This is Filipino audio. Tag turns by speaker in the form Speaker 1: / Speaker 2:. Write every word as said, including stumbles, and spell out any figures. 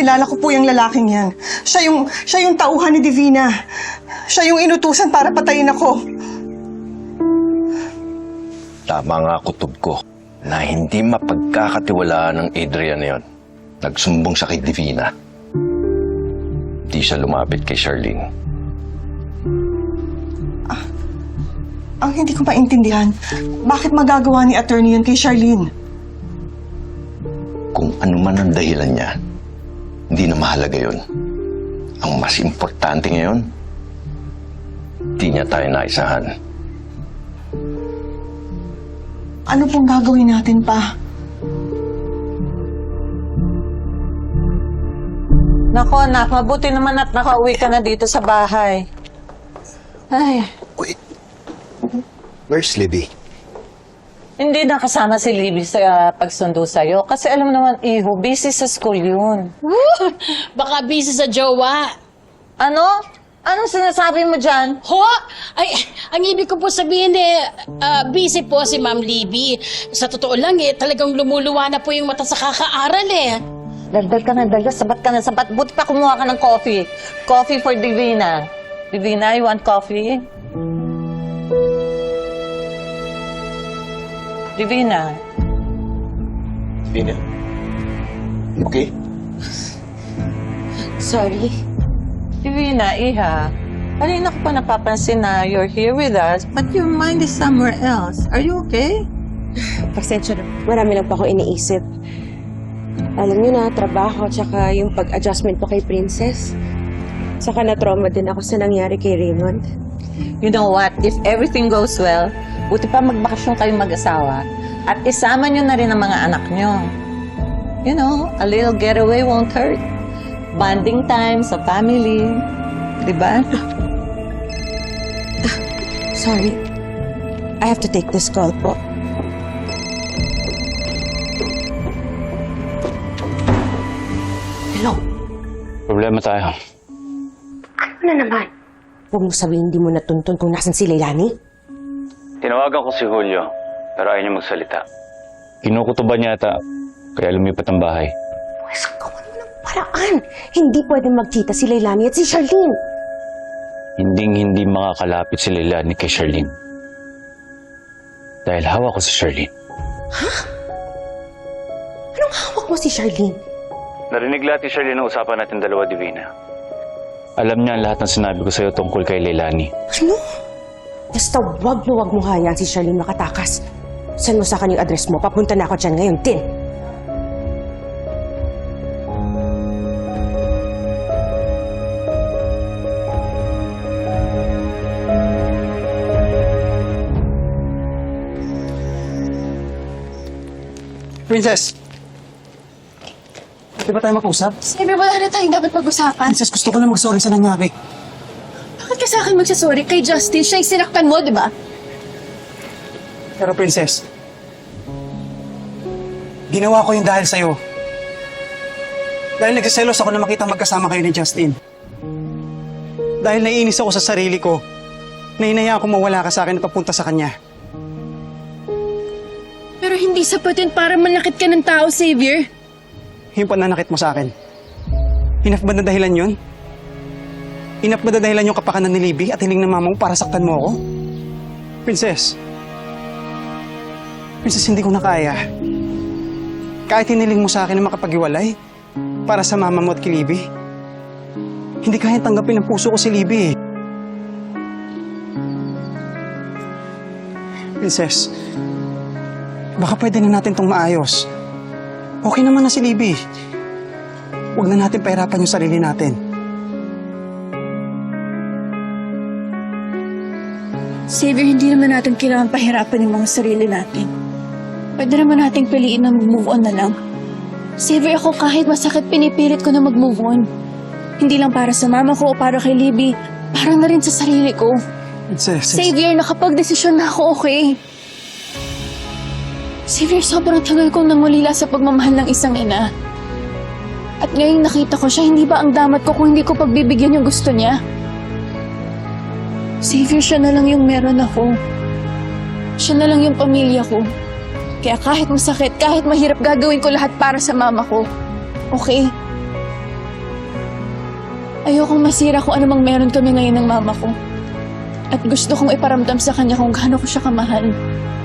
Speaker 1: kilala ko po yung lalaking yan. Siya yung, siya yung tauhan ni Divina. Siya yung inutusan para patayin ako.
Speaker 2: Tama nga kutob ko na hindi mapagkakatiwalaan ng Adrian na yun. Nagsumbong siya kay Divina. Di siya lumapit kay Charlene.
Speaker 1: Ah, ang hindi ko maintindihan, bakit magagawa ni attorney yun kay Charlene?
Speaker 2: Kung ano man ang dahilan niya, hindi na mahalaga yun. Ang mas importante ngayon, di niya tayo naisahan.
Speaker 1: Ano pong gagawin natin pa?
Speaker 3: Nako, anak, mabuti naman at nakauwi ka na dito sa bahay. Ay,
Speaker 4: Wait. Where's Libby?
Speaker 3: hindi na kasama si Libby sa uh, pagsundo sa'yo. Kasi alam mo naman, iho, busy sa school yun.
Speaker 5: Baka busy sa jowa.
Speaker 3: Ano? Anong sinasabi mo dyan?
Speaker 5: Ho? Ay, ang ibig ko po sabihin eh, ah, busy po si Ma'am Libby. Sa totoo lang eh, talagang lumuluwa na po yung mata sa kakaaral eh.
Speaker 3: Dagdag ka na, dagdag. Sabat ka na, sabat. Buti pa kumuha ka ng coffee. Coffee for Divina. Divina, you want coffee? Divina.
Speaker 4: Divina. You okay?
Speaker 3: Sorry. Divina, iha. Kanina ko pa napapansin na you're here with us, but your mind is somewhere else. Are you okay?
Speaker 6: Pasensya na. Marami lang pa ako iniisip. Alam niyo na, trabaho, tsaka yung pag-adjustment ko kay Princess. Tsaka na-trauma din ako sa nangyari kay Raymond.
Speaker 3: You know what? If everything goes well, buti pa magbakasyon kayong mag-asawa at isama nyo na rin ang mga anak nyo. You know, a little getaway won't hurt. Bonding time sa family. Diba?
Speaker 6: Sorry. I have to take this call po. Hello?
Speaker 7: Problema tayo.
Speaker 6: Ano na naman? Huwag mo sabihin hindi mo natuntun kung nasan si Leilani.
Speaker 7: Tinawagan ko si Julio, pero ayaw niya magsalita. Kinukutuban niya ata, kaya lumipat ang bahay.
Speaker 6: Pwes, gawan mo ng paraan. Hindi pwede magkita si Leilani at si Charlene.
Speaker 7: Hinding-hindi makakalapit si Leilani kay Charlene. Dahil hawak ko si Charlene.
Speaker 6: Anong hawak mo si Charlene?
Speaker 7: Narinig lahat ni Charlene ang usapan natin dalawa, Divina. Alam niya ang lahat ng sinabi ko sa'yo tungkol kay Leilani.
Speaker 6: Ano? Basta wag na wag mo hayaan si Charlene makatakas. Send mo sa akin yung address mo. Papunta na ako dyan ngayon din.
Speaker 8: Princess! Di ba tayo mag-usap?
Speaker 9: Sabi, wala na tayong dapat pag-usapan.
Speaker 8: Princess, gusto ko lang mag-sorry sa nangyari.
Speaker 9: Bakit ka sa akin magsasorry kay Justin? Siya yung sinaktan mo, di ba?
Speaker 8: Pero Princess, ginawa ko yung dahil sa'yo. Dahil nagsiselos ako na makita magkasama kayo ni Justin. Dahil naiinis ako sa sarili ko, na hinayaan ko mawala ka sa akin at papunta sa kanya.
Speaker 9: Pero hindi sapat yun para manakit ka ng tao, Xavier.
Speaker 8: Yung pananakit mo sa akin. Hinaf ba na dahilan yun? Hinaf ba na dahilan yung kapakanan ni Libby at hiling ng mama mo para saktan mo ako? Princess. Princess, hindi ko na kaya. Kahit hiniling mo sa akin na makapag-iwalay para sa mama mo at kay Libby, hindi kaya tanggapin ng puso ko si Libby eh. Princess, baka pwede na natin itong maayos. Okay naman na si Libby. Huwag na natin pahirapan yung sarili natin.
Speaker 9: Xavier, hindi naman natin kailangan pahirapan yung mga sarili natin. Pwede naman nating piliin na mag-move on na lang. Xavier, ako kahit masakit, pinipilit ko na mag-move on. Hindi lang para sa mama ko o para kay Libby, para na rin sa sarili ko.
Speaker 8: Princess,
Speaker 9: Xavier, nakapag-desisyon na ako, okay? Xavier, sobrang tagal kong nangulila sa pagmamahal ng isang ina. At ngayong nakita ko siya, hindi ba ang damat ko kung hindi ko pagbibigyan yung gusto niya? Xavier, siya na lang yung meron ako. Siya na lang yung pamilya ko. Kaya kahit masakit, kahit mahirap, gagawin ko lahat para sa mama ko. Okay? Ayokong masira kung anumang meron kami ngayon ng mama ko. At gusto kong iparamdam sa kanya kung gaano ko siya kamahal.